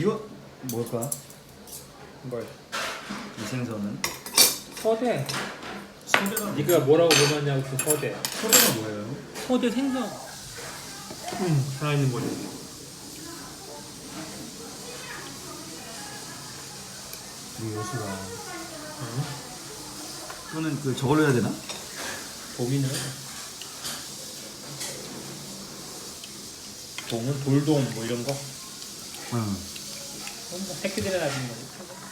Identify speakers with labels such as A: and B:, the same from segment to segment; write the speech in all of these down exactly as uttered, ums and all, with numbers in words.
A: 이거 뭘까?
B: 뭘?
A: 이 생선은?
B: 서대.
A: 소대가
B: 네가 뭐라고 불렀냐고 그 서대.
A: 소대가 뭐예요?
B: 서대 생선. 음, 살아있는 거지.
A: 이 여수가
B: 응?
A: 이거는 그 저걸로 해야 되나?
B: 도미는 동은 돌돔 뭐 이런 거.
A: 응.
B: 그건 뭐 새끼들이 나는 거지.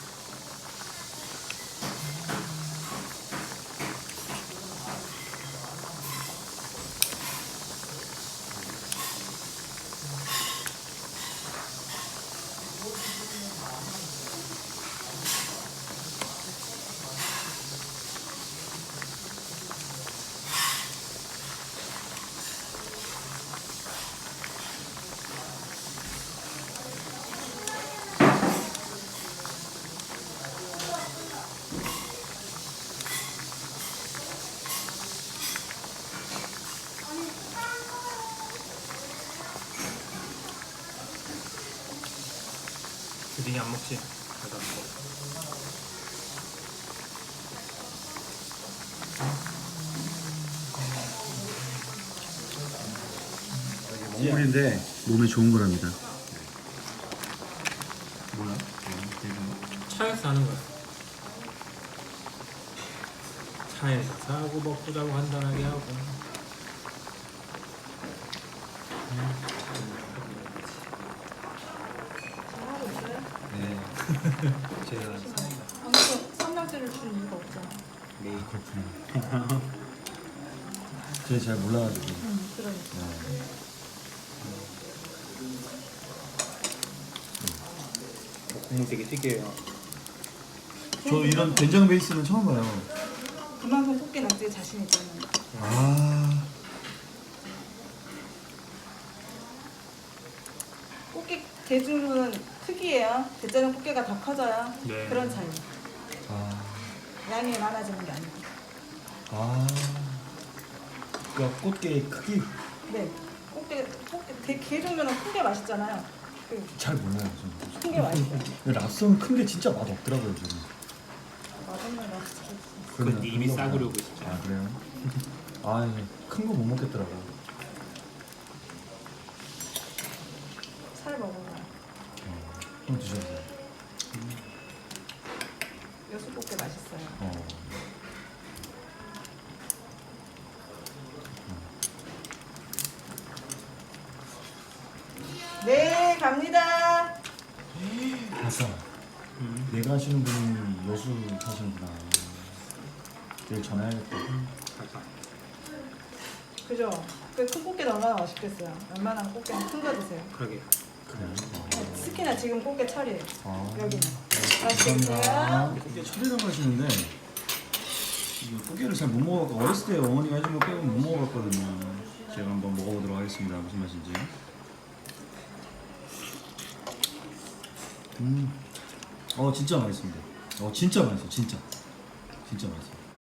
B: 드딩이 안 먹지? 나도 안 먹어.
A: 먹물인데 몸에 좋은 거랍니다. 뭐야?
B: 차에서 하는 거야. 차에서 사고 먹고 자고 간단하게 하고.
C: 잘하고 있어요?
A: 네. 제가
C: 방금 삼각대를 준 이유가 없잖아.
A: 네 그렇구나. 제가 잘 몰라가지고.
C: 응, 그러니까.
A: 네.
B: 국물 되게 특이해요.
A: 저 이런 된장 베이스는 처음 봐요.
C: 그만큼 꽃게 낙지에 자신 있잖아요.
A: 아.
C: 꽃게 대중은 특이해요. 대짜는 꽃게가 더 커져요.
B: 네.
C: 그런 차이.
A: 아.
C: 양이 많아지는 게 아니고.
A: 아. 그러니까 꽃게 크기
C: 네. 꽃게, 꽃게 대, 게 종류는 큰 게 맛있잖아요. 그,
A: 잘 몰라요 저는.
C: 큰 게 맛있어요.
A: 랍스터는 큰 게 진짜 맛 없더라고요 저는.
C: 맛없는 랍스터.
B: 그건 네 입이 싸구려고 진짜.
A: 아 그래요? 아 큰 거 못 먹겠더라고.
C: 살 먹어요.
A: 좀 드셔보세요.
C: 여수 꽃게 맛있어요.
A: 어.
C: 네, 갑니다.
A: 아싸.
B: 음.
A: 내가 하시는 분이 여수 사시는구나. 내일 전화해야겠다.
B: 아까.
C: 그죠? 그 큰 꽃게는 얼마나 맛있겠어요. 웬만한 꽃게는 큰 거 드세요.
B: 그러게.
A: 그래요?
C: 특히나 지금 꽃게 철이에요.
A: 아.
C: 여기는.
A: 감사합니다. 꽃게 철이라고 하시는데 이거 꽃게를 잘 못 먹어갖고 어렸을 때 어머니가 해준 거 빼고 못 먹어봤거든요. 제가 한번 먹어보도록 하겠습니다. 무슨 맛인지. 음. 어 진짜 맛있습니다. 어 진짜 맛있어 진짜. 진짜 맛있어.